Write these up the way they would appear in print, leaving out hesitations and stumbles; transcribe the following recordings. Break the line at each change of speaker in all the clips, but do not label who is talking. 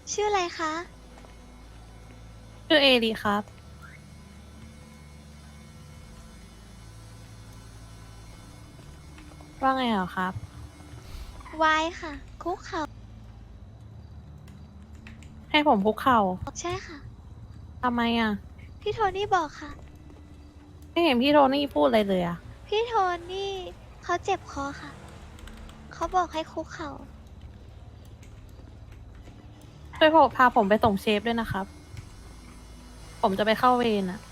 ชื่ออะไรคะ
ชื่อเอดีครับว่าไงเหรอครับ
วายค่ะ คุกเขา
ให้ผมคุกเข่า
ใช่ค่ะ
ทำไมอ่ะ
พี่โทนี่บอกค่ะ
ไม่เห็นพี่โทนี่พูดอะไรเลยอ่ะ
พี่โทนี่เขาเจ็บคอค่ะ เขาบอกให้คุกเขา
ช่วยพาผมไปส่งเชฟด้วยนะครับผมจะไปเข้าเวรอ่ะ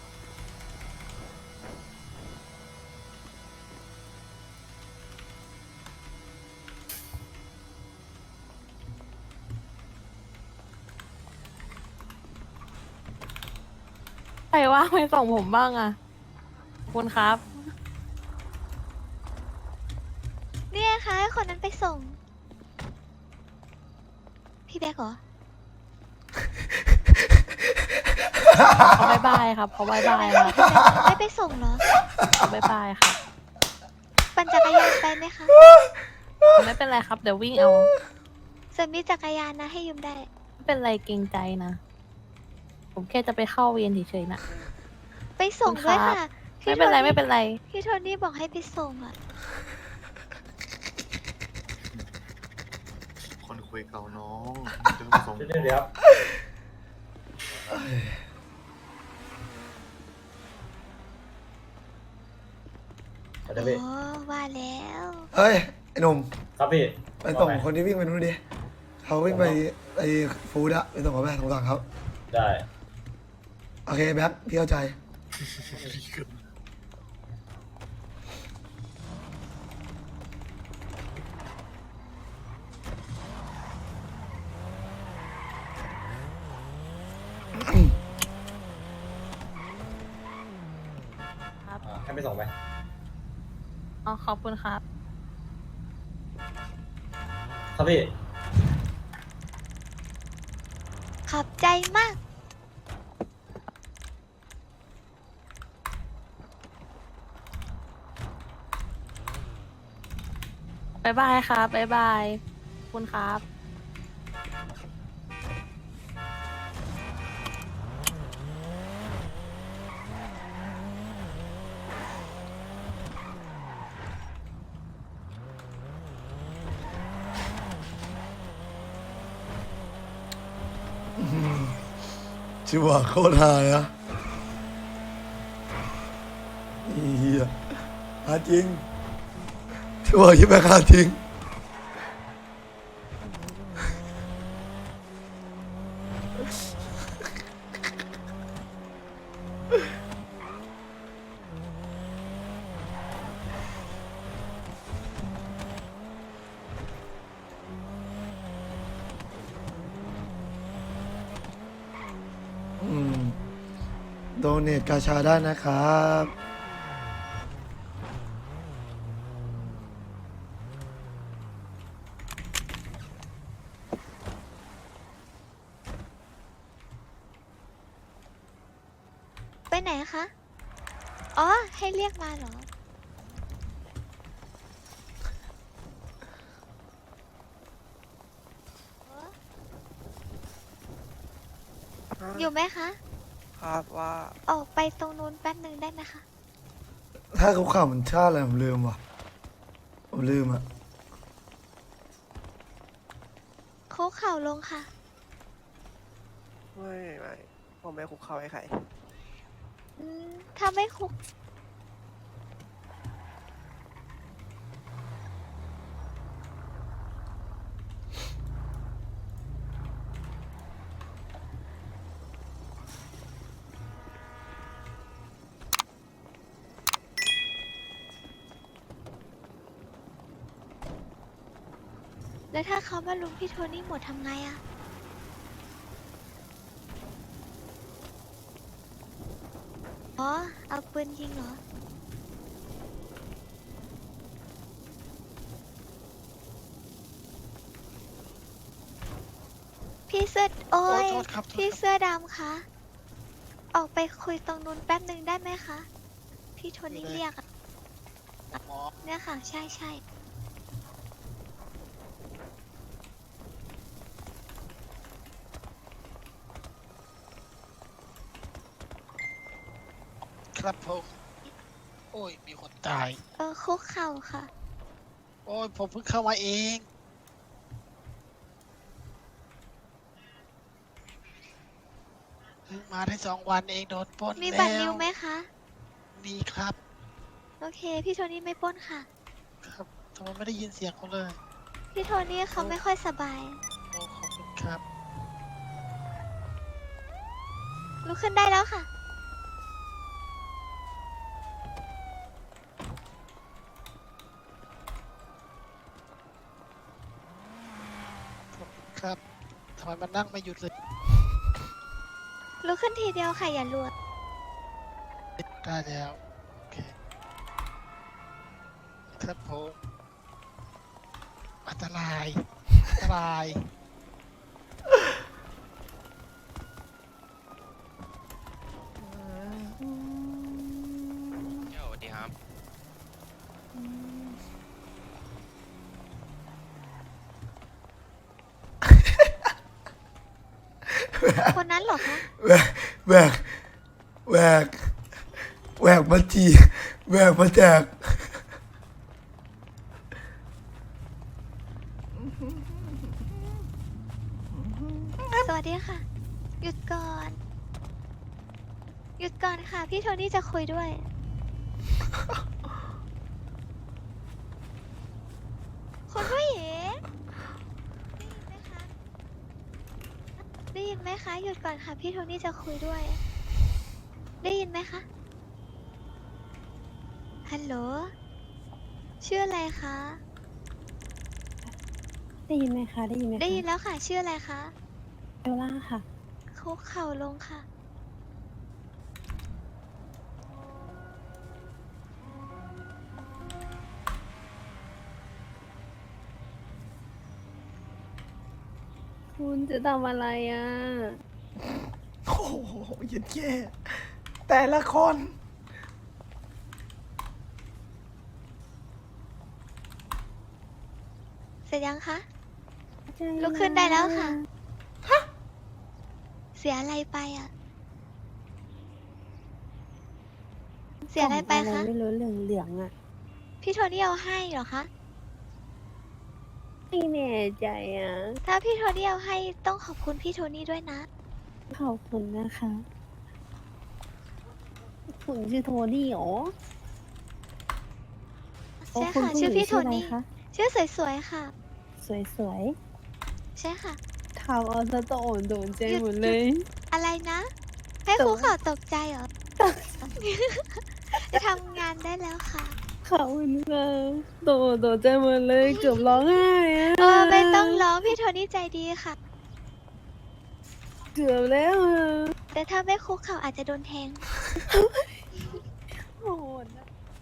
ใครว่างไปส่งผมบ้างอ่ะขอบคุณครับ
เนี่ยค่ะให้คนนั้นไปส่ง พี่แบกเหรอ
เขาบายบายครับเขาบายบายครับ
พี่แบกไม่ไปส่งเหรอ
เขาบายบายครับ
ปั่นจักรยานไปไหมคะ
ไม่เป็นไรครับเดี๋ยววิ่งเอา
ส่วนมีจักรยานนะให้ยืมได้
ไม่เป็นไรเกรงใจนะผมแค่จะไปเข้าเวรเฉยๆนะ
ไปส่งด้วยค่ะ
ไม่เป็นไรไม่เป็นไร
พี่โทนี่บอกให้ไปส่งอ่ะ
คนคุยเก่าน้องเดิมสอง
เดี๋ยวเดี๋ยวพี่
อ๋อ ว่าแล้ว
เฮ้ย ไอ้หนุ่ม
ครับพี่
ไปส่ง
ว่าไ
คนที่วิ่งไปนู้นดิเขาวิ่งไปไอ้ฟูดอะไปส่งเขาไปสงสารเขา
ได้
โอเคแบ็คพี่เข้าใจ
ให้ไปส่งไหม
อ๋อขอบคุณครับ
ครับพี่
ขอบใจมาก
บายบายครับบายบายขอบคุณครับ
ชิวะโคตรฮาเลยนะเฮียฮาจริงชิวะยิ่งแบ็คฮาจริงโดเนทกาชาได้นะครับ
ไปไหนคะ อ๋อ ให้เรียกมาเหรอ อยู่ไหมคะ
ครับว่า
ออกไปตรงนู้นแป๊บหนึ่งได้ไหมคะ
ถ้าเขาข่าวมันชาติอะไรผมลืมว่ะผมลืมอะ
คุกเข่าลงค่ะ
ไม่ผมไม่คุกเข่าให้ใคร
ถ้าไม่คุก แล้วถ้าเขามาลุมพี่โทนี่หมดทำไงอะอ๋อ เอาปืนยิงเหรอ พี่เสื้อ โอ้ย
โทษครับ
พี่เสื้อดำคะ ออกไปคุยตรงนู้นแป๊บหนึ่งได้ไหมคะ พี่โทนี่เรียกอะเนี่ยค่ะ ใช่ใช่
ค
ครับผมโอ้ยมีคนตาย
คุกเข่าค่ะ
โอ้ยผมเพิ่งเข้ามาเองเพิ่งมาได้2 วันเองโดนปล้น
มี
แล้ว
บัตรนิวไหมคะ
มีครับ
โอเค พี่โทนี่ไม่ปล้นค่ะ
ครับทำไมไม่ได้ยินเสียงเขาเลย
พี่โทนี่เขาไม่ค่อยสบาย
โอ้ขอบคุณครับ
ลุกขึ้นได้แล้วค่ะ
ขอบคุณครับทำไมมันนั่งไม่หยุดเลย
ลุกขึ้นทีเดียวค่ะ อย่ารัว
ได้แล้วโอเคครับผมอันตรายอันตราย
สวัสดีครับ
คนนั้นเหรอคะ
แหวกแหวกแหวกแหวกมาจีแหวกมาแจก
สวัสดีค่ะ หยุดก่อน หยุดก่อนค่ะ พี่โทนี่จะคุยด้วย คุณผู้หญิงได้ยินไหมคะ ได้ยินไหมคะ หยุดก่อนค่ะ พี่โทนี่จะคุยด้วย ได้ยินไหมคะ ฮัลโหล ชื่ออะไรคะ
ได้ยินไหมคะ ได้ยินไหมคะ
ได้ยินแล้วค่ะ ชื่ออะไรคะ
เอลล่าค่ะ
คุกเข่าลงค่ะ
คุณจะทำอะไรอ่ะ
โอ้โหเย็นแย่แต่ละคน
เสร็จยังคะ ลุกขึ้นได้แล้วค่ะ เสียอะไรไปอ่ะ เสียอะไรไป
กล่อง
คะ
ไม่รู้เหลืองๆอ่ะ
พี่โทนี่เอาให้เหรอคะ
ไม่แน่ใจอ่ะ
ถ้าพี่โทนี่เอาให้ต้องขอบคุณพี่โทนี่ด้วยนะ
ขอบคุณนะคะ คุณชื่อโทนี่เหรอ
ใช่ค่ะ ชื่อพี่โทนี่ ชื่อสวยๆค่ะ
สวย
ใช่ค่ะ
ๆทำเอาซะตัวอ่อนโดนใจหมดเลย
อะไรนะ ให้ครูข่าวตกใจเหรอ จะทำงานได้แล้วค่ะ
ขอบคุณค่ะโดนใจหมดเลย เกือบร้องไห้อะ
ไม่ต้องร้องพี่โทนี่ใจดีค่ะ
เกือบแล้วอะ
แต่ถ้าไม่คุกเข่าอาจจะโดนแทง
โหดอะ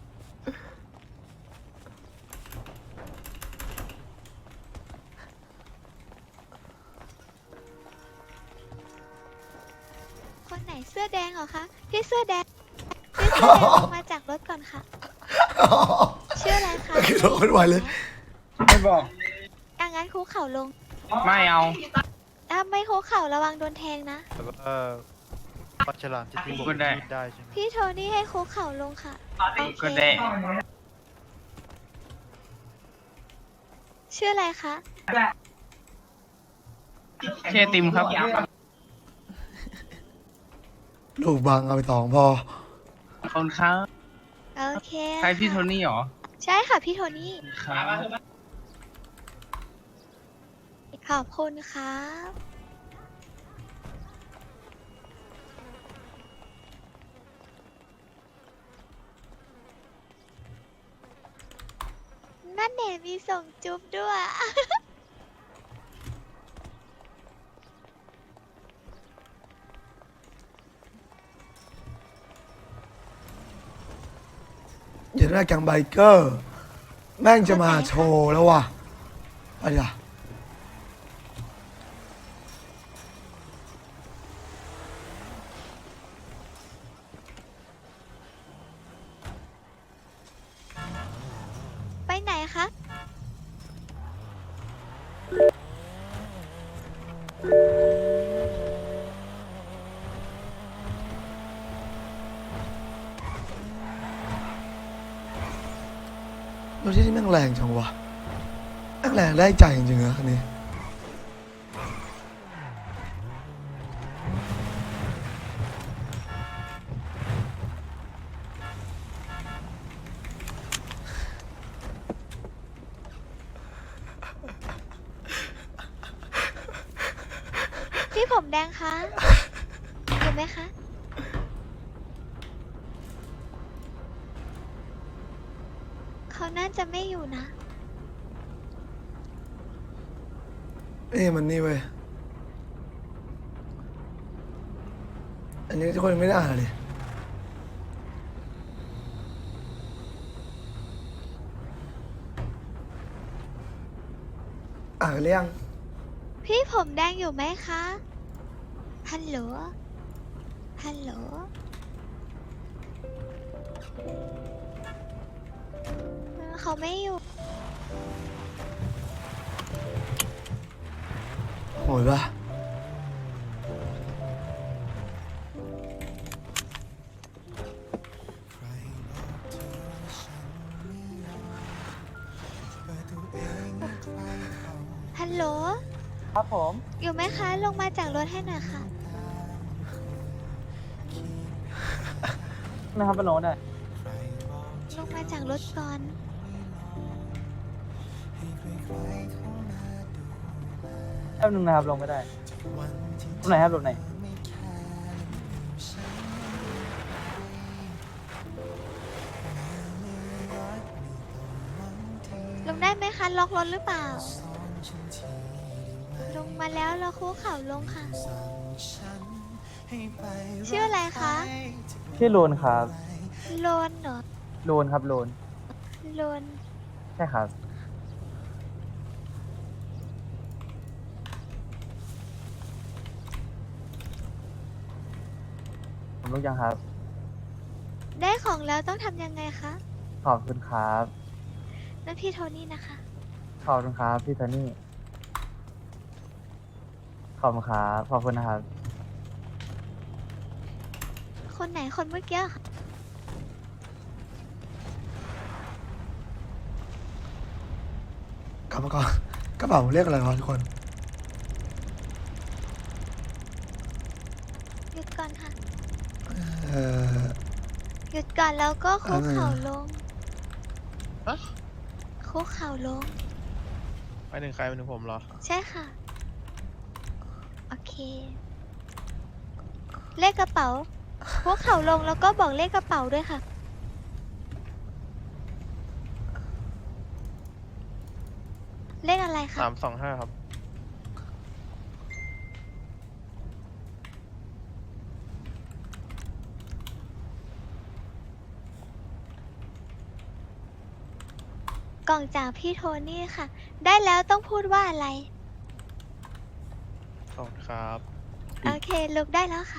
คนไหนเสื้อแดงเหรอคะ พี่เสื้อแดง พี่เสื้อแดงลงมาจากรถก่อนค่ะ ชื่ออะไรคะ
ไม่คิดว่าคนไหวเลย
ไม่บอก
งั้นคุกเข่าลง
ไม่เอา
ถ้าไม่คุกเข่าระวังโดนแทงนะ
แต่ว่าปลาฉลามจะทิ้ง
ก็ได้
มีได้ใช่ไหม
พี่โทนี่ให้คุกเข่าลงค่ะ โอเค
ก็ได้
ชื่ออะไรคะ
เชติมครับ
ลูกบังเอาไป2พอ
ขอบคุณครับ
โอเค
ใช่พี่โท
ค่ะ
นี่เหรอ
ใช่ค่ะพี่โทนี่
ครับ
ขอบคุณครับ นั่นเน่มีส่งจุ๊บด้วย
อย่าได้แก๊งไบเกอร์ แม่งจะมาโชว์แล้วว่ะไปดิล่ะ
ไปไหนคะ
เรถที่นี่แม่งแรงจังวะแม่งแรงได้ใจจริงๆนะคันนี้
พี่ผมแดงคะอยู่ไหมคะ เขาน่าจะไม่อยู่นะ
มันนี่เว้ยอันนี้ทุกคนยังไม่ได้อ่านเลยอ่านกันหรือยัง
พี่ผมแดงอยู่ไหมคะ ฮัลโหล ฮัลโหล เขาไม่อยู่
โหยปะ
ฮัลโหล
ครับผม
อยู่ไหมคะ ลงมาจากรถให้หน่อยค่ะ
นะครับเป็นโน้ตได้
ลงมาจากรถก่อน
แป๊บนึงนะครับลงไม่ได้ตรงไหนครับตรงไหน
ลงได้ไหมคะ ล็อกรถหรือเปล่า ลงมาแล้วเราคุกเข่าลงค่ะ ชื่ออะไรคะ
ชื่อโลนครับ
โลนเหรอ
โลนครับโลน
โลน
ใช่ครับ ผมรู้ยังครับ
ได้ของแล้วต้องทำยังไงคะ
ขอบคุณครับ
นั่นพี่โทนี่นะคะ
ขอบคุณครับพี่โทนี่ ขอบคุณครับ ขอบคุณนะครับ
คนไหนคนเมื่อกี้ค่ะ
กลับมาก่อนกระเป๋าเรียกอะไรวะทุกคน
หยุดก่อนค่ะ
เอ่อ
หยุดก่อนแล้วก็คุกเข่า
อะไรนะ
ลง
ฮะ
คุกเข่าลง
ไปถึงใครไปถึงผมเหรอ
ใช่ค่ะ โอเค เลขกระเป๋าคุกเข่าลงแล้วก็บอกเลขกระเป๋าด้วยค่ะ เลขอะไรคะ
325 ครับ
กล่องจากพี่โทนี่ค่ะ ได้แล้วต้องพูดว่าอะไร
ขอบคุณครับ
โอเค ลุกได้แล้วค่ะ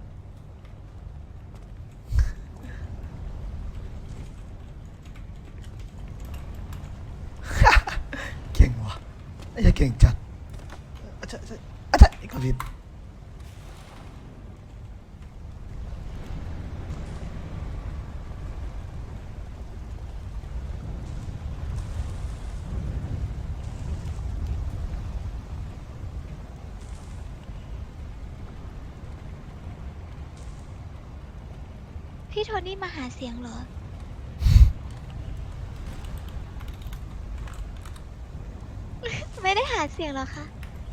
เก่งว่ะไอ้เหี้ยเก่งจัดอาจารย์อาจารย์ก็ผิด
พี่โทนี่มาหาเสียงเหรอ ไม่ได้หาเสียงเหรอคะ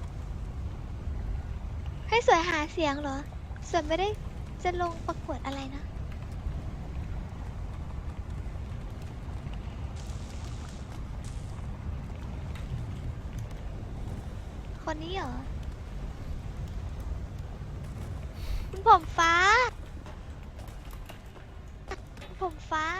ให้สวยหาเสียงเหรอ สวยไม่ได้จะลงประกวดอะไรนะ คนนี้เหรอ คุณผมฟ้า ผมฟ้า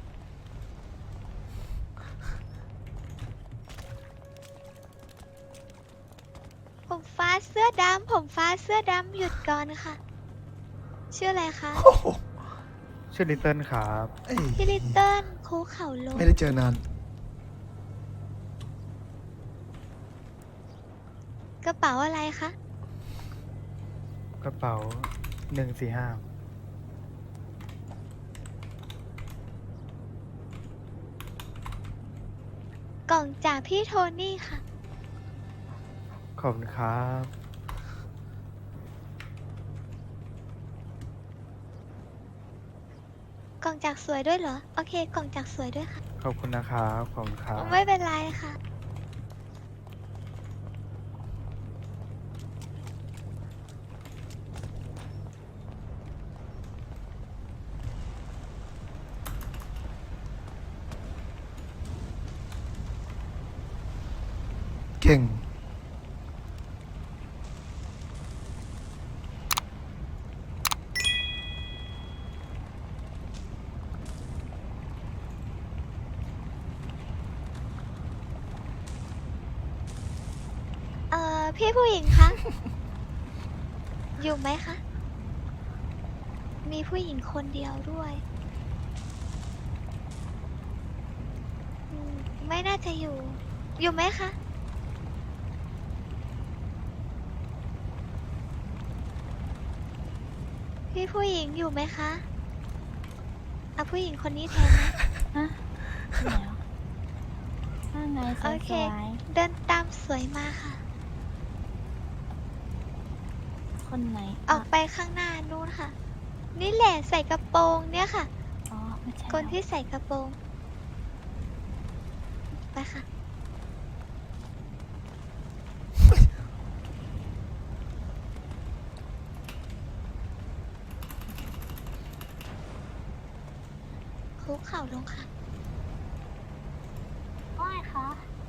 ผมฟ้าเสื้อดำ ผมฟ้าเสื้อดำหยุดก่อนค่ะ ชื่ออะไรคะ
โอ้โห
ชื่อลิตเติ้ลครับ
เอ้ย
พี่ลิตเติ้ลคุกเข่าลง
ไม่ได้เจอนาน
กระเป๋าอะไรคะ
กระเป๋า145
กล่องจากพี่โทนี่ค่ะ
ขอบคุณครับ
กล่องจากสวยด้วยเหรอ โอเค กล่องจากสวยด้วยค่ะ
ขอบคุณนะครับขอบคุณครับ
ไม่เป็นไรค่ะ
เก่ง
พี่ผู้หญิงคะ อยู่ไหมคะ มีผู้หญิงคนเดียวด้วยไม่น่าจะอยู่ อยู่ไหมคะ พี่ผู้หญิงอยู่ไหมคะเอาผู้หญิงคนนี้แทนนะ
ฮะไหนอ่ะว่าไงส
โอเค
วย
เดินตามสวยมาค่ะ
ๆคนไหน
ออกไปข้างหน้านู้นค่ะ นี่แหละใส่กระโปรงเนี่ยค่ะ
อ๋อไม่ใช่
คนที่ใส่กระโปรง ไปค่ะ คุกเข่าลงค่ะ
ว่าไงคะ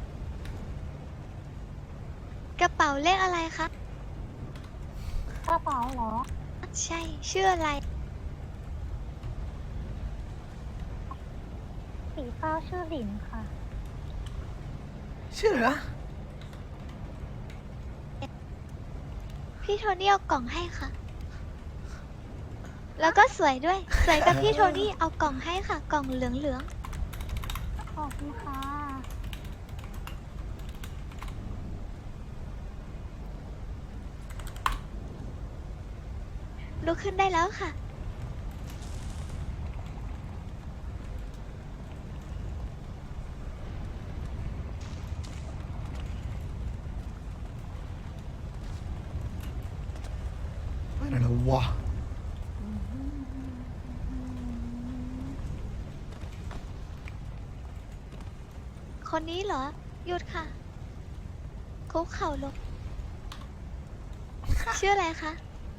กระเป๋าเลขอะไรคะ
กระเป๋าเหรอ
ใช่ ชื่ออะไร
สีฟ้าชื่อหลินค่ะ
ชื่ออะไรนะ
พี่โทนี่เอากล่องให้ค่ะ แล้วก็สวยด้วย สวยกับพี่โทนี่เอากล่องให้ค่ะ กล่องเหลือง
ขอบคุณค่ะ
ๆลุกขึ้นได้แล้วค่ะ
ไปไหนแล้ววะ
คนนี้เหรอ หยุดค่ะ คุกเข่าลง ชื่ออะไรคะ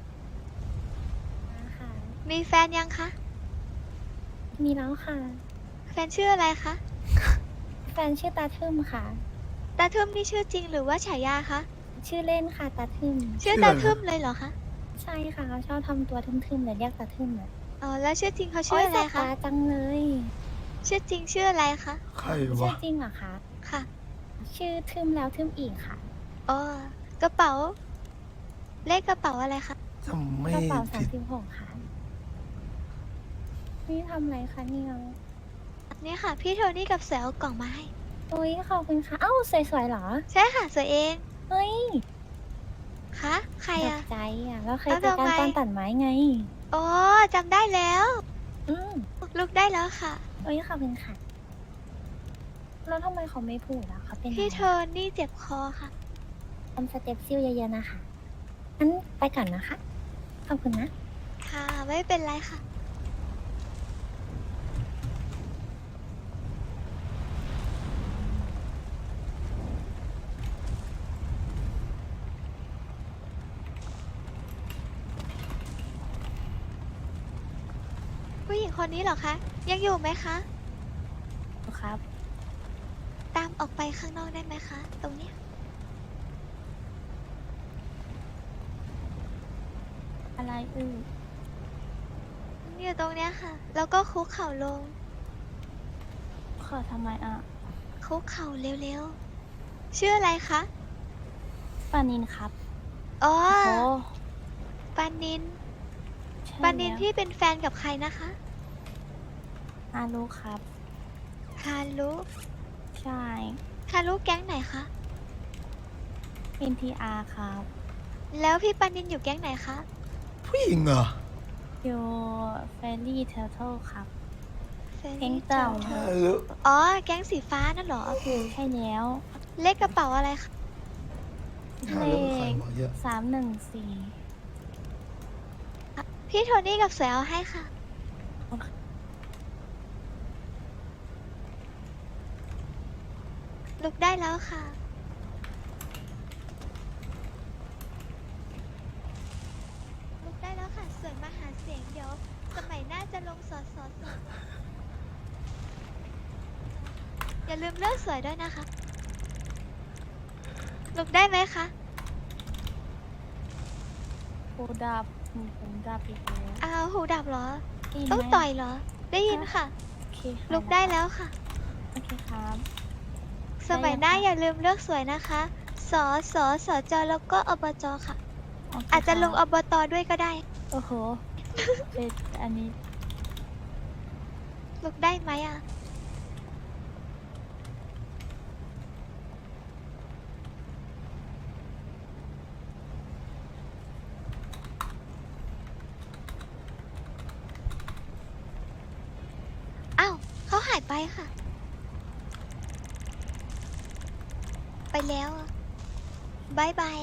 ค่ะ
มีแฟนยังคะ
มีแล้วค่ะ
แฟนชื่ออะไรคะ
แฟนชื่อตาทึมค่ะ
ตาทึมนี่ชื่อจริงหรือว่าฉายาคะ
ชื่อเล่นค่ะตาทึม
ชื่อตาทึมเลยเหรอคะ
ใช่ค่ะเขาชอบทำตัวทึมๆเลยเรียกตาทึมอ่ะ
อ๋อ แล้วชื่อจริงเขาชื่ออะไร
โยแสบ
คะ
ตาจังเลย
ชื่อจริงชื่ออะไรคะ
ใคร
ชื่
วะ
อจริงเหรอคะ
ค่ะ
ชื่อทึมแล้วทึมอีกค่ะ
อ๋อ กระเป๋า เลขกระเป๋าอะไรคะ
จำไม่
กระเป๋า
ผิด
36ค่ะนี่ทำอะไรคะเนี่ย
นี่ค่ะ พี่โทนี่กับเสือเอากล่องมาให้
โอ้ยขอบคุณค่ะ เอ้าสวยๆเหรอ
ใช่ค่ะสวยเอง
เฮ้ย
คะ ใคร
ตก
อะ
ใจอ่ะเราเคย
แล้ว
เจอกัน
ทำไม
ตอนตัดไม้ไง
อ๋อจำได้แล้ว
อืม
ลุกได้แล้วค่ะ
โอ้ยขอบคุณค่ะ แล้วทำไมเขาไม่พูดอ่ะเขาเป็น
พี่
อะไร
โทนี่เจ็บคอค่ะ
ทำสเต็ปซิลเยอะๆนะคะงั้นไปก่อนนะคะ ขอบคุณนะ
ค่ะ ไม่เป็นไรค่ะ ผู้หญิงคนนี้เหรอคะ ยังอยู่ไหมคะ
ครับ
ตามออกไปข้างนอกได้ไหมคะ ตรงเนี้ย
อะไรอื้อ
อยู่ตรงเนี้ยค่ะ แล้วก็คุกเข่าลง
ขอทำไมอ่ะ
คุกเข่าเร็วๆ ชื่ออะไรคะ
ปานินครับ
อ๋อ
โอ้
ปานิน
ใช่
ปานิน
แล้ว
ที่เป็นแฟนกับใครนะคะ
อาลูครับ
คารุ
ใช่
คารุแก๊งไหนคะ
NTR ครับ
แล้วพี่ปานินอยู่แก๊งไหนคะ
ผู้หญิงเหรอ
โยเฟรลี่เทอร์เทลครับ
เ Friendly
แก๊งเก่า
Giant
ฮัลโหล
อ๋อ แก๊งสีฟ้านั่นเหรอ
ใช่แล้ว
เลขกระเป๋าอะไรคะ
หาเรื่องใครวะเหี้ย
314
พี่โทนี่กับสวยเอาให้ค่ะ ลุกได้แล้วค่ะ ลุกได้แล้วค่ะ สวยมาหาเสียงเดี๋ยว สมัยหน้าจะลงสอสอสออย่าลืมเลือกสวยด้วยนะคะ ลุกได้ไหมคะ
หูดับผมดับอีกแล้ว
อ้าวหูดับเหรอ
ได้ยิน
ต้อง
ไหม
ต่อยเหรอ ได้ยินค่ะ
โอเคค่ะ
ลุกได้แล้วค่ะ
โอเคครับ
สมัยหน้า
ได้ยังคะ
อย่าลืมเลือกสวยนะคะ สอสอสอจอแล้วก็อบจค่ะ
โเค
อาจจะลง
ค
อ
รับบ
ตด้วยก็ได้
โอ้โหเป็นอันนี้
ลุกได้ไหมอ่ะ อ้าวเขาหายไปค่ะ ไปแล้วอะบายบาย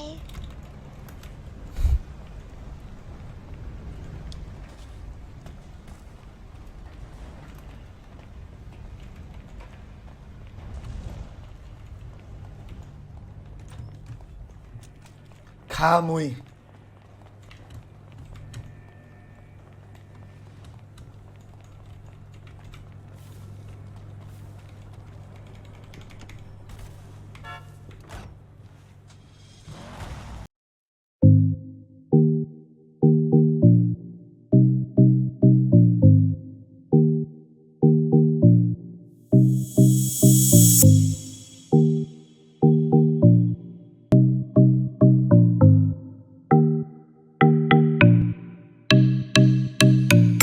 คามุย